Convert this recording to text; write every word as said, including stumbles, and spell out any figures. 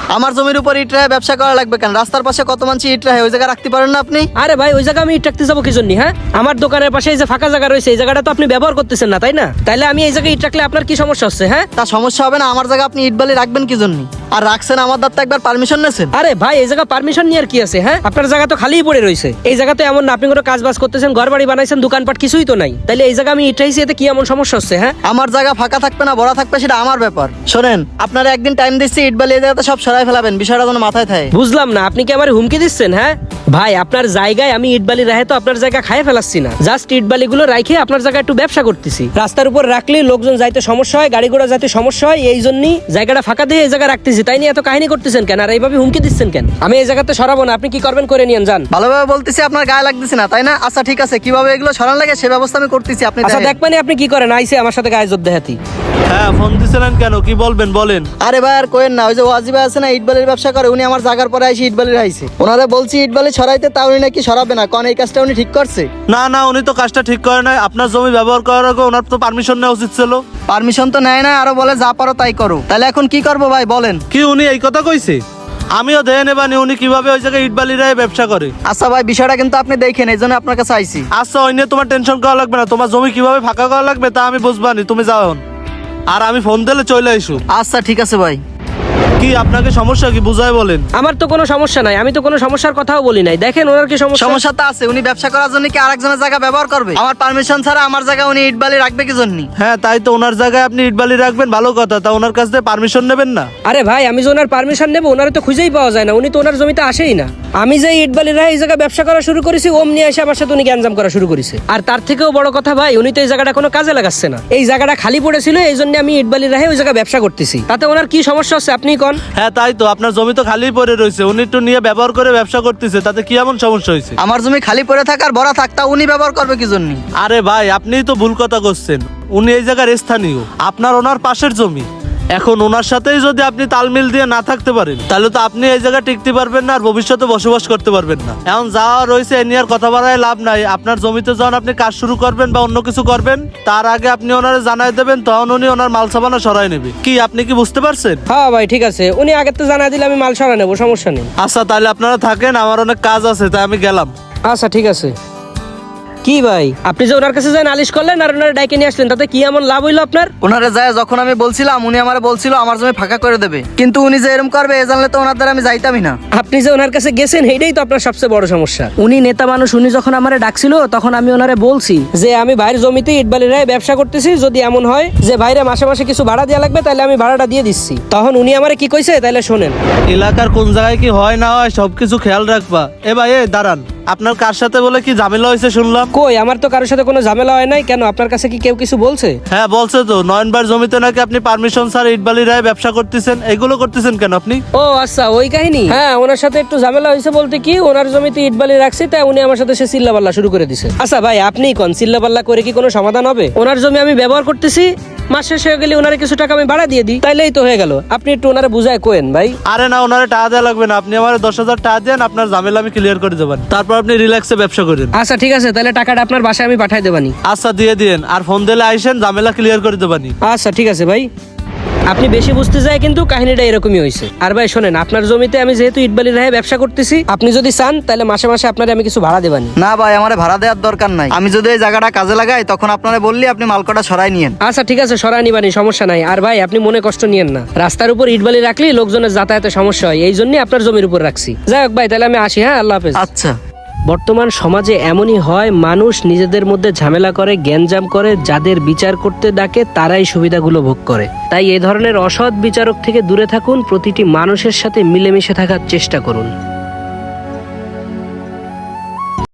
আমার জমির উপর ইট রাহে ব্যবসা করা লাগবে কেন? রাস্তার পাশে কত মানুষ ইট রাহে, ওই জায়গা রাখতে পারেন না আপনি? আরে ভাই ওই জায়গা আমি ইট রাখতে যাবো কি জন্য? হ্যাঁ, আমার দোকানের পাশে এই যে ফাঁকা জায়গা রয়েছে এই জায়গাটা তো আপনি ব্যবহার করতেছেন না, তাই না? তাইলে আমি এই জায়গায় ইট রাখলে আপনার কি সমস্যা হচ্ছে? হ্যাঁ, তা সমস্যা হবে না, আমার জায়গা আপনি ইট বালি রাখবেন কি জন্য? আর রাখছেন আমার দাঁত একবার পারমিশন নেছেন? আরে ভাই এই জায়গা পারমিশন নিয়ে আর কি আছে? হ্যাঁ, আপনার জায়গা তো খালিই পড়ে রয়েছে। এই জায়গাতে এমন না আপনি কোনো কাজ বাজ করতেছেন, ঘর বাড়ি বানাইছেন, দোকানপাট কিছুই তো নাই। তাইলে এই জায়গা আমি ইট রাখছি, এতে কি এমন সমস্যা হচ্ছে? হ্যাঁ, আমার জায়গা ফাঁকা থাকবে না ভরা থাকবে সেটা আমার ব্যাপার। শোনেন, আপনারা একদিন টাইম দিচ্ছি, ইট বালি এই জায়গাতে সব সরাই ফেলাবেন, বিষয়টা যেন মাথায় থাকে। বুঝলাম না, আপনি কি আমার হুমকি দিচ্ছেন? হ্যাঁ ভাই, আপনার জায়গায় আমি ইট বালি রাখে তো আপনার জায়গা খাই ফেলাচ্ছি না, জাস্ট ইট বালি গুলো রাখে আপনার জায়গায় একটু ব্যবসা করতেছি। রাস্তার উপর রাখলে লোকজন যাইতে সমস্যা হয়, গাড়ি ঘোড়া যাইতে সমস্যা হয়, এই জন্যই জায়গাটা ফাঁকা দিয়ে এই জায়গা রাখতেছি। তাই নিয়ে এত কাহিনী করতেছেন কেন? আর এইভাবে হুমকি দিচ্ছেন কেন? আমি এই জায়গাতে সরাবো না, আপনি কি করবেন করে নিয়েন যান। ভালোভাবে বলতেছি, আপনার গায়ে লাগতেছে না তাই না? আচ্ছা ঠিক আছে, কিভাবে এগুলো সরান লাগে সে ব্যবস্থা আমি করতেছি, আপনি আচ্ছা দেখেন। দেখ মানে আপনি কি করেন, আইসে আমার সাথে গায়ে জোর দেখাতি। হ্যাঁ, ফোন দিছিলেন কেন? কি বলবেন বলেন। আরে ভাই আর কোয়েন না, ওই যে ওয়াজি ভাই আছে না ইট বালির ব্যবসা করে, উনি আমার জায়গার পরে আইসি ইট বালি রাইছে। ওনারা বলছি ইট বালি সরাইতে, তা উনি নাকি সরাবে না, কারণ এই কাজটা উনি ঠিক করছে। না না, উনি তো কাজটা ঠিক করে নাই। আপনার জমি ব্যবহার করার আগে ওনার তো পারমিশন নেওয়া উচিত ছিল। পারমিশন তো নেয় না, আরো বলে যা পারো তাই করো। তাহলে এখন কি করবো ভাই বলেন? কি উনি এই কথা কইছে? আমিও দেখে নেবানি উনি কিভাবে ওই জায়গায় ইট বালি রায় ব্যবসা করে। আচ্ছা ভাই, বিষয়টা কিন্তু আপনি দেখেন, এই জন্য আপনার কাছে আইসি। আচ্ছা, ওই নিয়ে তোমার টেনশন করা লাগবে না। তোমার জমি কিভাবে ফাঁকা করা লাগবে তা আমি বুঝবানি, তুমি যাও এখন। আর আমি ফোন দিলে চলে আইসু। আচ্ছা ঠিক আছে ভাই। কি আপনাকে সমস্যা কি বুঝায় বলেন। আমার তো কোনো সমস্যা নাই, আমি তো কোনো সমস্যার কথাও বলি নাই। দেখেন ওনার কি সমস্যা। সমস্যা তো আছে, উনি ব্যবসা করার জন্য কি আরেকজনের জায়গা ব্যবহার করবে? আমার পারমিশন ছাড়া আমার জায়গা উনি ইট বালি রাখবে কি জন্য? হ্যাঁ, তাই তো, ওনার জায়গায় আপনি ইট বালি রাখবেন ভালো কথা, তা ওনার কাছ থেকে পারমিশন নেবেন না? আরে ভাই, আমি যে ওনার পারমিশন নেবো, ওনারে তো খুঁজেই পাওয়া যায় না, উনি তো ওনার জমিতে আসেই না। আমি যে ইট বালি রায় এই জায়গায় ব্যবসা করা শুরু করেছি, অমনি এসে আমার সাথে উনি গ্যাঞ্জাম করা শুরু করেছে। আর তার থেকেও বড় কথা ভাই, উনি তো এই জায়গাটা কোনো কাজে লাগাচ্ছে না। এই জায়গাটা খালি পড়েছিল, এই জন্য আমি ইট বালি রাহে ওই জায়গায় ব্যবসা করতেছি। তাতে ওনার কি সমস্যা হচ্ছে আপনি কোন? হ্যাঁ তাই তো, আপনার জমি তো খালি পড়ে রয়েছে, উনি একটু নিয়ে ব্যবহার করে ব্যবসা করতেছে, তাতে কি এমন সমস্যা হয়েছে? আমার জমি খালি পড়ে থাকার ভরা থাকতা উনি ব্যবহার করবে কি জন্য? আরে ভাই, আপনিই তো ভুল কথা করছেন। উনি এই জায়গার স্থানীয়, আপনার ওনার পাশের জমি। এখন ওনার সাথেই যদি আপনি তালমিল দিয়ে না থাকতে পারেন, তাহলে তো আপনি এই জায়গায় টিকতে পারবেন না, আর ভবিষ্যতে বসবাস করতে পারবেন না। এখন যা রয়েছে এ নিয়ে আর কথা বাড়ায় লাভ নাই। আপনার জমিতে যখন আপনি কাজ শুরু করবেন বা অন্য কিছু করবেন, তার আগে আপনি ওনারে জানাই দেবেন, তখন উনি ওনার মাল সামানা সরাই নেবে। কি আপনি কি বুঝতে পারছেন? হ্যাঁ ভাই ঠিক আছে, উনি আগের তো জানাই দিলে আমি মাল সরা নেবো, সমস্যা নেই। আচ্ছা তাহলে আপনারা থাকেন, আমার অনেক কাজ আছে, তাই আমি গেলাম। আচ্ছা ঠিক আছে। কি ভাই, আপনি যে ওনার কাছে যাই নালিশ করলেন আর ওনার ডাইকে নিয়ে আসলেন, তাতে কি এমন লাভ হইলো আপনার? ওনারে যায় যখন আমি বলছিলাম, উনি আমারে বলছিল আমার জমি ফাঁকা করে দেবে, কিন্তু উনি যে এরকম করবে এ জানলে তো ওনার দ্বারা আমি যাইতামই না। আপনি যে ওনার কাছে গেছেন এইটাই তো আপনার সবচেয়ে বড় সমস্যা। উনি নেতা মানুষ, উনি যখন আমারে ডাকছিল তখন আমি ওনারে বলছি যে আমি ভাইয়ের জমিতে ইটবালি রায় ব্যবসা করতেছি, যদি এমন হয় যে ভাইরে মাসে মাসে কিছু ভাড়া দেওয়া লাগবে তাহলে আমি ভাড়াটা দিয়ে দিচ্ছি। তখন উনি আমারে কি কইছে তাহলে শোনেন। এলাকার কোন জায়গায় কি হয় না হয় সবকিছু খেয়াল রাখবা। এ ভাই, এ দাঁড়ান, আপনার কার সাথে বলে কি ঝামেলা হয়েছে শুনলাম? কই, আমার তো কারোর সাথে কোনো ঝামেলা হয় নাই। কেন, আপনার কাছে কি কেউ কিছু বলছে? হ্যাঁ বলছে তো, নয়নবার জমিতে নাকি আপনি পারমিশন স্যার ইটবালি রায় ব্যবসা করতেছেন। এগুলো করতেছেন কেন আপনি? ও আচ্ছা, ওই কাহিনী। হ্যাঁ, ওনার সাথে একটু ঝামেলা হয়েছে বলতে কি, ওনার জমিতে ইটবালি রাখছি, তাই উনি আমার সাথে সে চিল্লাপাল্লা শুরু করে দিছে। আচ্ছা ভাই, আপনি কোন চিল্লাপাল্লা করে কি কোনো সমাধান হবে? ওনার জমি আমি ব্যবহার করতেছি, মাস শেষ হয়ে গেলে ওনারে কিছু টাকা আমি ভাড়া দিয়ে দিই, তাইলেই তো হয়ে গেল। আপনি একটু ওনারে বুঝায় কোয়েন ভাই। আরে না, ওনারে টাকা দেওয়া লাগবে না, আপনি আমার দশ হাজার টাকা দেন, আপনার ঝামেলা আমি ক্লিয়ার করে দেবেন, তারপর আপনি রিল্যাক্সে ব্যবসা করেন। আচ্ছা ঠিক আছে, তাহলে টাকাটা আপনার বাসায় আমি পাঠাই দেবানি। আচ্ছা দিয়ে দিন, আর ফোন দিলে আইসেন, ঝামেলা ক্লিয়ার করে দেবানি। আচ্ছা ঠিক আছে ভাই। আপনি বেশি বুঝতে যায় কিন্তু কাহিনীটা এরকমই হয়েছে। আর ভাই শোনেন, আপনার জমিতে আমি যেহেতু ইটবালি রাহে ব্যবসা করতেছি, আপনি যদি চান তাহলে মাসে মাসে আপনারে আমি কিছু ভাড়া দেবানি। না ভাই, আমার ভাড়া দেওয়ার দরকার নাই। আমি যদি এই জায়গাটা কাজে লাগাই তখন আপনারা বললি আপনি মালকটা সরাই নিয়েন। আচ্ছা ঠিক আছে, সরাই নিবানি, সমস্যা নাই। আর ভাই আপনি মনে কষ্ট নিয়েন না, রাস্তার উপর ইটবালি রাখলে লোকজনের যাতায়াতে সমস্যা হয়, এই জন্য আপনার জমির উপর রাখছি। যাই হোক ভাই, তাহলে আমি আসি। হ্যাঁ, আল্লাহ হাফেজ। আচ্ছা। বর্তমান সমাজে এমনই হয়, মানুষ নিজেদের মধ্যে ঝামেলা করে, গ্যাঞ্জাম করে, যাদের বিচার করতে ডাকে তারাই সুবিধাগুলো ভোগ করে। তাই এই ধরনের অসৎ বিচারক থেকে দূরে থাকুন, প্রতিটি মানুষের সাথে মিলেমিশে থাকার চেষ্টা করুন।